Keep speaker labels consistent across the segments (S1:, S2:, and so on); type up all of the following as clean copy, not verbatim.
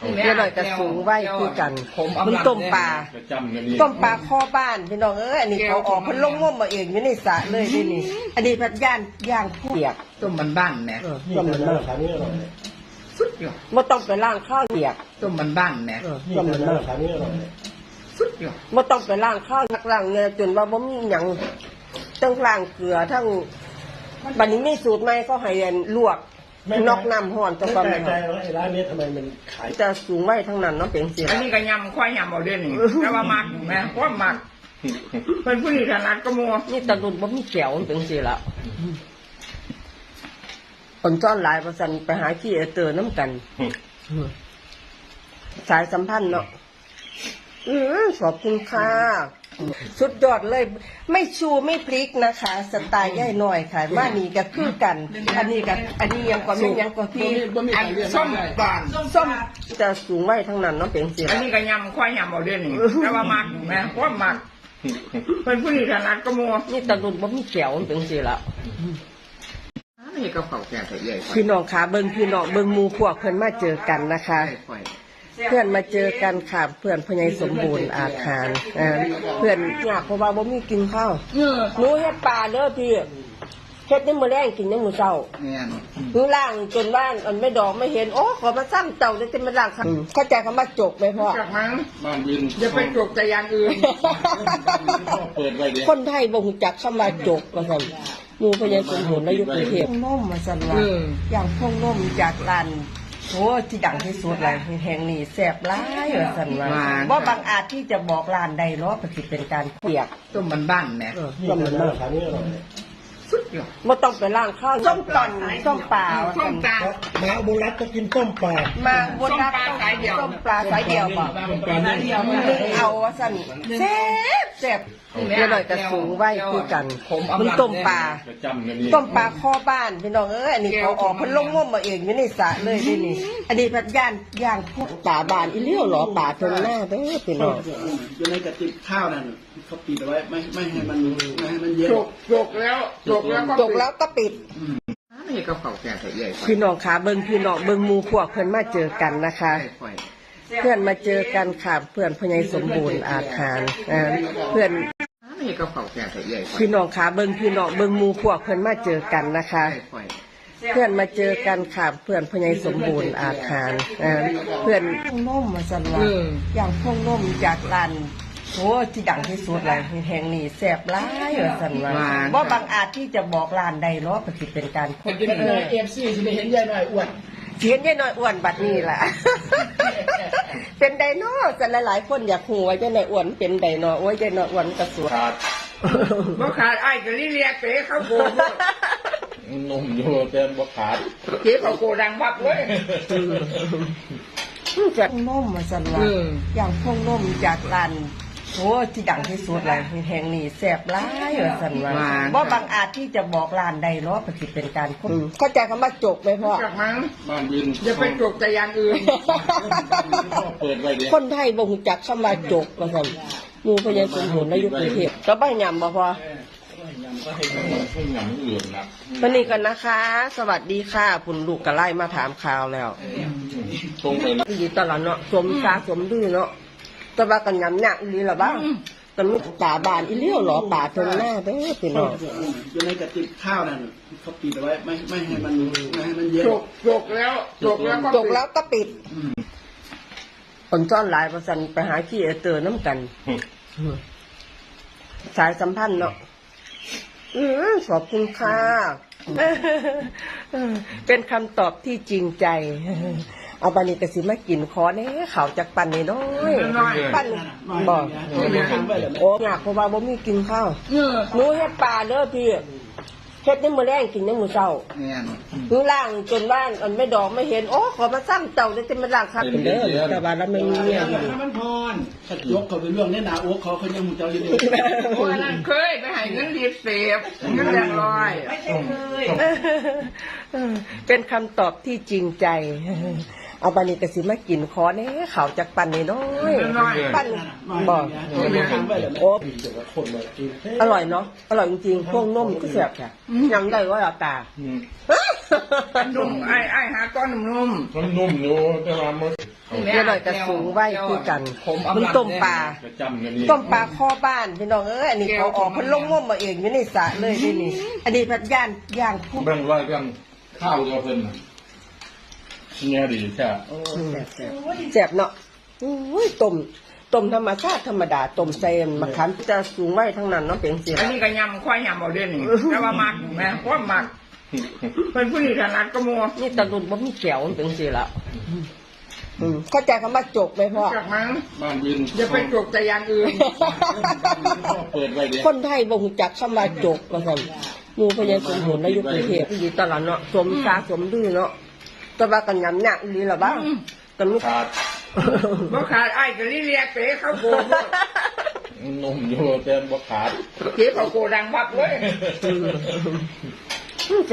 S1: เดี๋ยวหน่อยจะสูงไว้คือกันมึงต้มปลาข้อบ้านพี่น้องอันนี้เขาออกพันลงง่วมมาเองอยู่ในสระเลยนี่อันนี้พัดย่างเปียก
S2: ต้มมันบ้านแม่
S1: ต้มมันบ้าน
S2: สุดยอด
S1: ไม่ต้องไปล้างข้าวเปียก
S2: ต้มมันบ้านแม่
S1: ต้มมันบ้าน
S2: สุดยอด
S1: ไม่ต้องไปล้างข้าวล้างเงี้ยจนว่าบ่มีหยังทั้งล้างเกลือทั้งบัดนี้ไม่สูตรใหม่ก็ให้ลวกนอกน้ำห่อนจะประมาณ
S3: ร้านนี้ทำไมมันขาย
S1: จะสูงไว้ทั้งนั้นเนาะเป็นสิ
S2: อันนี้ก็ยำควายยำเอาเด่นแต่ว่ามักแม่ว่ามักเป็นผู้ที่ถนัดก็มัว
S1: นี่ตะลุนบ่มีแก้วเป็นสิละคนจ้อนหลายประสันไปหาขี้เตอร์น้ำกันสายสัมพันธ์เนาะขอบคุณค่ะสุดยอดเลยไม่ชูไม่พลิกนะคะสไตล์ย่ายหน่อยค่ะว่านี่ก็คือกันอันนี้ยังกว่าไม่ยังกว่าพี่
S2: ส้มบาน
S1: ส้มจะสูงไว้ทั้งนั้นเนาะเป็นสิ
S2: อันนี้ก็ยำควายยำเอาเด่นแต่ว่ามักแม่ว่ามักเป็นผู้ที่ถนัดก็มัว
S1: นี่ตะลุนบ่มีแก้วเป็นสิละ
S2: นี่ก็เผาแก่ใหญ่
S1: พี่น้องขาเบิ้งพี่น้องเบิ้งมูพวกเพื่อนมาเจอกันนะคะเพื่อนมาเจอกันค่ะเพื่อนพญายสมบูรณ์อาคารเพื่อนอยากเพราะว่าบ่มีกินข้าวหนูเฮ็ดปลาเด้อพี่เฮ็ดในมื้อแรงกินในมื้อเช้าหนูล่างจนบ้านอันไม่ดอกไม่เห็นโอ้ขอมาสร้างเต่าจะมาล่างเข้าใจคำว่าจกไหมพ่อ
S2: จากมั้งบ้านวินจะไปจกแต่อย่างอื่น
S3: เปิดไว้ดิ
S1: คนไทยบ่รู้จักคำว่าจกว่าซั่นมูพญายสมบูรณ์ในยุคกรุงเทพนมมาสั่นว่าอย่างพวกนมจากร้านโอ้ที่ดังที่สุดเลยแห่งนี้แซ่บหลายว่าสั่นว่าบางอาจที่จะบอกร้านใดเนาะก็สิเป็นการเปียก
S2: ต้มมันบ้านแม่
S1: ต้มมันบ้าน
S2: สุดยอด
S1: ไม่ต้องไปล้างข้าวส้มตอนส้มปลา
S2: ส้มปลา
S3: มาบุรัตก็กินต้มปลา
S1: มาบุรัตส้มปลาสายเดียวบ่เอาว่าสั่นแซ่บเดี๋ยวหน่อยจะสูงไว้คือกันมึงต้มปลาข้อบ้านพี่น้องอันนี้เขาออกพันลงง่วมมาเองอยู่ในสระเลยนี่อันนี้พัดย่างพวกป่าบานอีเลี้ยวหรอป่าตรงหน้าเด้อพี่น้อง
S3: อยู่ในกระติกข้าวนั่นเขาปิดเอาไว้ไม่ให้มันเยอะ
S2: จกแล้ว
S1: ก็ปิด
S2: นี่ก็เผาแก่ใหญ่
S1: พี่น้องขาเบิ้งพี่น้องเบิ้งมูพวกเพื่อนมาเจอกันนะคะเพื่อนมาเจอกันค่ะเพื่อนพญายสมบูรณ์อาคารเพื่อน
S2: นี่ก็เผาแก่ใหญ่
S1: พี่น้องขาเบิ้งพี่น้องเบิ้งมูพวกเพื่อนมาเจอกันนะคะเพื่อนมาเจอกันค่ะเพื่อนพญายสมบูรณ์อาคารเพื่อนนมมาสั่นว่าอย่างพวกนมจากร้านโอ้ที่ดังที่สุดเลยแห่งนี้แซ่บหลายว่าสั่นว่าบางอาจที่จะบอกร้านใดเนาะก็สิเป็นการ
S3: คนFC สิได้เห็นยายหน่อยอ้วน
S1: เขียนยายน้อยอ้วนบัดนี้แหละเป็นไดโนจะหลายๆคนอยากหัวยายน้อยอ้วนเป็นไดโนโอ้ยยายน้อยอ้วนกระสวย
S2: บ่ขาดไอ้กะลิเลียเตะเข้าโก
S3: นมอยู่แต่บ่ขาด
S2: เตะเข้าโกดังบักเว้ย
S1: จากนมมาสั่นว่าอย่างพวกนมจากร้านโอ้ที่ดังที่สุดเลยแห่งนี้แซ่บหลายว่าสั่นว่าบางอาจที่จะบอกร้านใดเนาะก็สิเป็นการเข้าใจคำว่าจกไหมพ่อ
S2: จากมั้ง
S3: บ้านวิน
S2: จะไปจกแต่อย่างอื่น
S3: เปิดไว้ดิ
S1: คนไทยบ่รู้จักคำว่าจกว่าซั่นมูพญายสมบูรณ์ในยุคกรุงเทพก็บ่ยำบ่พอวันนี้กันนะคะ สวัสดีค่ะคุณลูกกระไล่มาถามข่าวแล้ว
S3: ตรงไป
S1: ดีตลอดเนาะสมชาสมดื้อเนาะแต่ว่ากันยำหนักดีหรอบ้างแต่ลูกป่าบานอีเลี้ยวหรอป่าตรงหน้าเด้อพี่น้อง
S3: อยู่ในกระติกข้าวนั่นเขาปิดเอาไว้ไม่ให้มันเยอะ
S2: จกแล้ว
S1: ก็ปิดคนจ้อนหลายประสันไปหาขี้เตอร์น้ำกันสายสัมพันธ์เนาะขอบคุณค่ะเป็นคำตอบที่จริงใจเอาบานิกสิมากินคอเนี่ยเขาจากปั่นน้อยปั่นบอกโอ้อยากเพราะว่าบ่มีกินข้าวหนูเฮ็ดปลาเด้อพี่เฮ็ดในมื้อแรงกินในมื้อเช้าหนูล่างจนบ้านอันไม่ดอกไม่เห็นโอ้ขอมาสร้างเต่าจะมาล่างครับเด้อแต่ว่าแล้วไม่มีเนี่ย
S3: มันพรยกเขาเป็นเรื่องเนี่ยนะโอ้เขายังมุเจ้าอยู่ดี
S2: โอ้ยนั่นเคยไปให้เงินรีบเสพเงินแดงลอยไม่ใช่เคย
S1: เป็นคำตอบที่จริงใจเอาบานิกสิมากินคอเนี่ยเขาจากปั่นน้อยปั่นบอกโอ้อร่อยเนาะอร่อยจริงๆพวกนมก็แซ่บแค่ยังได้ว่าตา
S2: นุ่มไอ้หาก้อนนุ่ม
S3: อยู่แต่ว่ามัน
S1: เดี๋ยวหน่อยก็สูงไว้คือกันมันต้มปลาต้มปลาข้อบ้านพี่น้องเอ้ยอันนี้เขาออกเพิ่นลงงมมาเองอยู่ในสระเลยนี่อันนี้พัดย่างผู้
S4: เบิ่งว่าเรื่องข้าวเดียวเพิ่นน่ะเนี่ยดีใช่
S1: แซ่บเนาะอุ้ยต้มธรรมชาติธรรมดาต้มใส่มะขามจะสูงไว้ทั้งนั้นเนาะเป็นสิ
S2: อันนี้ก็ยำควายยำเอาเด่นแต่ว่ามักแม่ความมักเป็นผู้ที่ถนัดก็มัว
S1: นี่ตะลุนบ่มีแก้วเป็นสิละเข้าใจคำว่าจกไหมพ่อ
S2: จากนั้น
S4: บ้านวิน
S2: อย่าไปจกแต่อย่างอื่น
S4: เปิดไว้เดี๋ยว
S1: คนไทยบ่ฮู้จักคำว่าจกว่าซั่นหมู่พญาสมบูรณ์ในยุคกรุงเทพอยู่ตลาดเนาะสมชาสมดื้อเนาะแต่ว่ากันยำหนักดีล่ะบ้างกันมี
S4: ขาด
S2: บ่ขาดไอ้ก็เรียกเป๋เข้าโกด
S4: นุ่มอยู่แต่บ่ขาด
S2: เก๋เข้าโกดังบับเลย
S1: จะ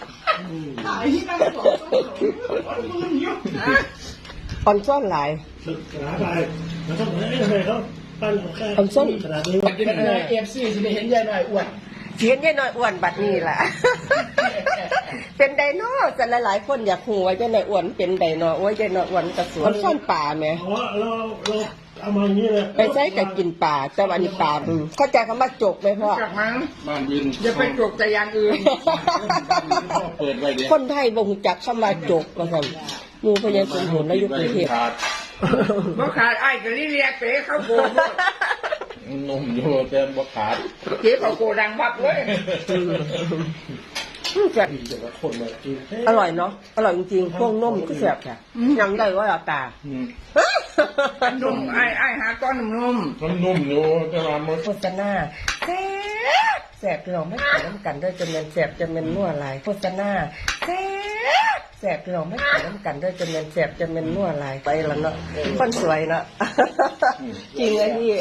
S1: อ่อนซ่อนหลาย
S3: ขนาดไปมันต้องทำไมเขาปั้นของแค่
S1: อ่อนซ่อน
S3: ขนาดนี้กินอะไรเอฟซีสิได้เห็นยายหน่อยอ้วน
S1: เสียนยายน้อยอ้วนบัดนี้ล่ะ เป็นไดโนจะหลายๆคนอยากหูว่ายายน้อยอ้วนเป็นไดโนโอ้ยยายน้อยอ้วนกระสวนอ่อนซ่อนป่าไหม
S3: เพราะว่าเราเอามาอย่างนี้เลย
S1: ไปใช้กับกินป่าแต่วันนี้ป่าเข้าใจคำว่าจกไหมพ่อ
S2: จากนั้น
S4: บ้านวิน
S2: อย่าไปจกแต่อย่างอื่น
S4: เปิดไว้เดี๋ยว
S1: คนไทยบ่ฮู้จักคำว่าจกว่าซั่นหมู่พญาสมบูรณ์ในยุคกรุงเทพ
S4: ขาด
S2: บ่ขาดไอ้ก็เรียกเป๋เข้าโกด
S4: นุ่มอยู่แต่บ่ขาด
S2: เก๋เข้าโกดังบับเลย
S1: จะ
S3: แต่ละคนมากิน
S1: อร่อยเนาะอร่อยจริงๆพวกนมก็แซ่บค่ะยังได้ว่าเราตา
S2: นุ่มไอ้หาก้อนนุ่ม
S4: มันนุ่มอยู่แต่ว่ามัน
S1: โฆษณาแซ่บพี่น้องไม่ขายน้ำกันด้วยจนเป็นแซ่บจนเป็นนัวลายโฆษณาแซ่บพี่น้องไม่ขายน้ำกันด้วยจนเป็นแซ่บจนเป็นนัวลายไปแล้วเนาะคนสวยเนาะจริงเลยพี่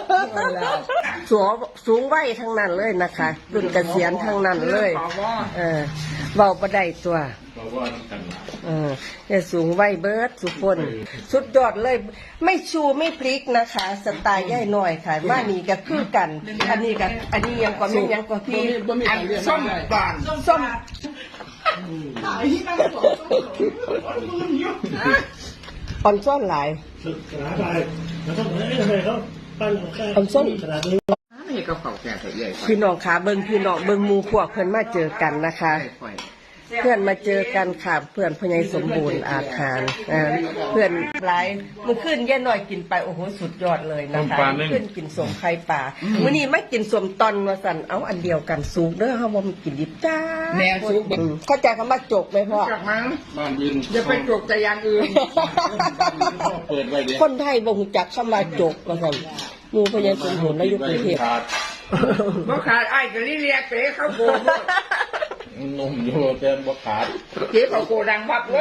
S1: สูงไว้ทั้งนั้นเลยนะคะรุ่นเกษียณทั้งนั้นเลย
S2: ขอว่า
S1: เบาประได้ตัว
S4: เราว่ากันหลาย
S1: เนี่ยสูงไว้เบิร์ดสุพลสุดยอดเลยไม่ชูไม่พลิกนะคะสไตล์ย่ายหน่อยค่ะมานี่ก็คือกัน อันนี้ยังกว่ามียังกว่าพี่
S2: อันส้มบาน
S1: ส้มอ่อนซ่อนหลาย
S3: ขนาดไปมันต้องทำไมเขาปั้นของแค่
S1: อ่อนซ่อน
S3: ขนาดนี้
S2: นี่ก็เข่าแก่ใหญ่
S1: พี่น้องขาเบิงพี่น้องเบิงหมูพวกเพื่อนมาเจอกันนะคะ เพื่อนมาเจอกันค่ะเพื่อนพญายสมบูรณ์อาคารเพื่อนหลายมันขึ้นแย่หน่อยกินไปโอ้โหสุดยอดเลยนะคะขึ้นกินสมไข่ป่ามื้อนี้ไม่กินสมตอนว่าสั่นเอาอันเดียวกันสูงเด้อเฮาบ่มีกินดิบจ้า
S2: แนวซุป
S1: เข้าใจคำว่าจกไหมพ่อ
S2: จากนั้น
S4: บ้านวิน
S2: อย่าไปจกแต่อย่างอื่น
S4: เปิดไว้เดี๋ยว
S1: คนไทยบ่ฮู้จักคำว่าจกว่าซั่นหมู่พญายสมบูรณ์ในยุคกรุงเทพ
S4: ขาด
S2: บ่ขาดไอ้ก็เรียกเป๋เข้าโกด
S4: นุ่มอยู่แต่บ่ขาด
S2: เก๋เข้าโกดังบับเลย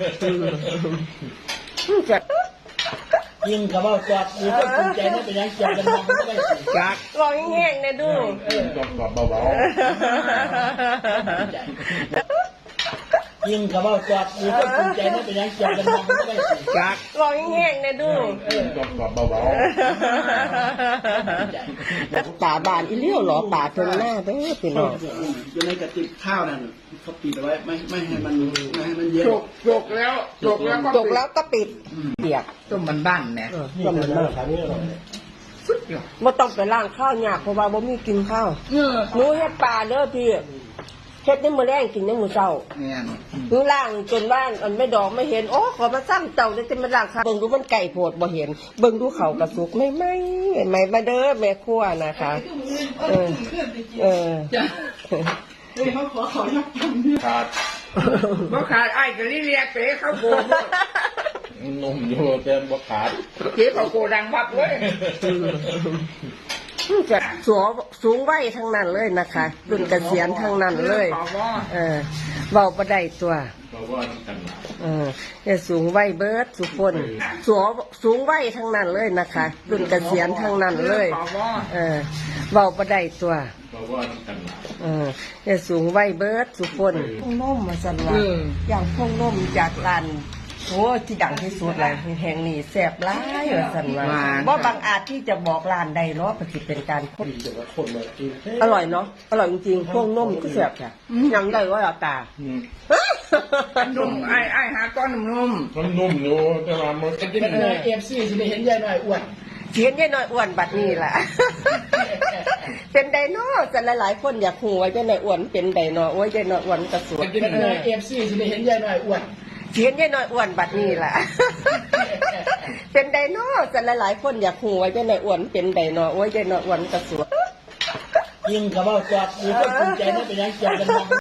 S1: จะ
S3: ยิงกับว่าจอดมีคนสนใจนะเป็นยังจอดกันมองไม่ได้สิ
S2: จาก
S1: ลองแห้งๆนะดู
S4: กรอบๆเบา
S3: ยิงกับว่าจอดมีคนสนใจนะเป็นยังจอดกันมองไม่ได้สิ
S2: จาก
S1: ลองแห้งๆนะดู
S4: ๆกรอบๆเบา
S1: ป่าบานอีเลี้ยวเหรอป่าตรงหน้าเด้อพี่น้อง
S3: อยู่ในกระติกข้าวนั่นเขาปิดเอาไว้ไม่ให้มันเยอะ
S2: จกแล้วก็
S1: จกแล้วก็ปิดเปียก
S2: ต้มบ้านๆเนี่ย
S1: ก็มันมาก
S2: สุดยอด
S1: บ่ต้องไปล้างข้าวยากเพราะว่าบ่มีกินข้าวหนูเฮ็ดปลาเด้อพี่เฮ็ดในมื้อแรงกินในมื้อเช้า
S2: เนี่ย
S1: หนูล้างจนว่าอันไม่ดอกไม่เห็นโอ้ขอมาสร้างเจ้าได้จะมาล้างข้าวเบิ่งดูมันไก่โพดบ่เห็นเบิ่งดูเขากระสุกไม่มาเด้อแม่ครัวนะคะ
S4: ๆขาด
S2: บ่ขาดไอ้ก็เรียกเป๋เข้าโกด
S4: นุ่มอยู่แต่บ่ขาด
S2: เก๋เข้าโกดังบับเลย
S1: จะสูงไว้ทั้งนั้นเลยนะคะรุ่นเกษียณทั้งนั้นเลย
S2: ขอว่า
S1: เบาประได้ตัว
S4: เราว่ากันหลาย
S1: เนี่ยสูงไว้เบิร์ดสุพลสูงไว้ทั้งนั้นเลยนะคะรุ่นเกษียณทั้งนั้นเลย
S2: ขอว่า
S1: เบาประได้ตัว
S4: เราว่ากันหลาย
S1: เนี่ยสูงไว้เบิร์ดสุพลพงนมมาสั่นว่าอย่างพงนมจากร้านโอ้ที่ดังที่สุดเลยแห่งนี้แซ่บร้ายว่าสั่นว่าว่าบางอาจที่จะบอกร้านใดเนาะปฏิเป็นการพบ
S3: แต่ละคนมากิน
S1: อร่อยเนาะอร่อยจริงๆพวกนมก็แซ่บค่ะยังได้ว่าตา
S4: อืม
S2: นุ่มไอ้หาก้อนนุ่ม
S4: มันนุ่มอยู่แต่ว่ามันจะกิน
S3: เป็นไงเอฟซีสิได้เห็นยายหน่อยอ้วน
S1: เขียนยายน้อยอ้วนบัดนี้ล่ะ เป็นไดโนจะหลายๆคนอยากหูว่ายายน้อยอ้วนเป็นไดโนโอ้ยยายน้อยอ้วนกระสวย
S3: เป็นไงเอฟซีสิได้เห็นยายหน่อยอ้วน
S1: เขียนยายน้อยอ้วนบัดนี้ล่ะ เป็นไดโนจะหลายๆคนอยากหูว่ายายน้อยอ้วนเป็นไดโนโอ้ยยายน้อยอ้วนกระสวย
S3: ยิงกับว่าจอดอยู่ก็ภูมิใจไม่เป็นยังจอดกัน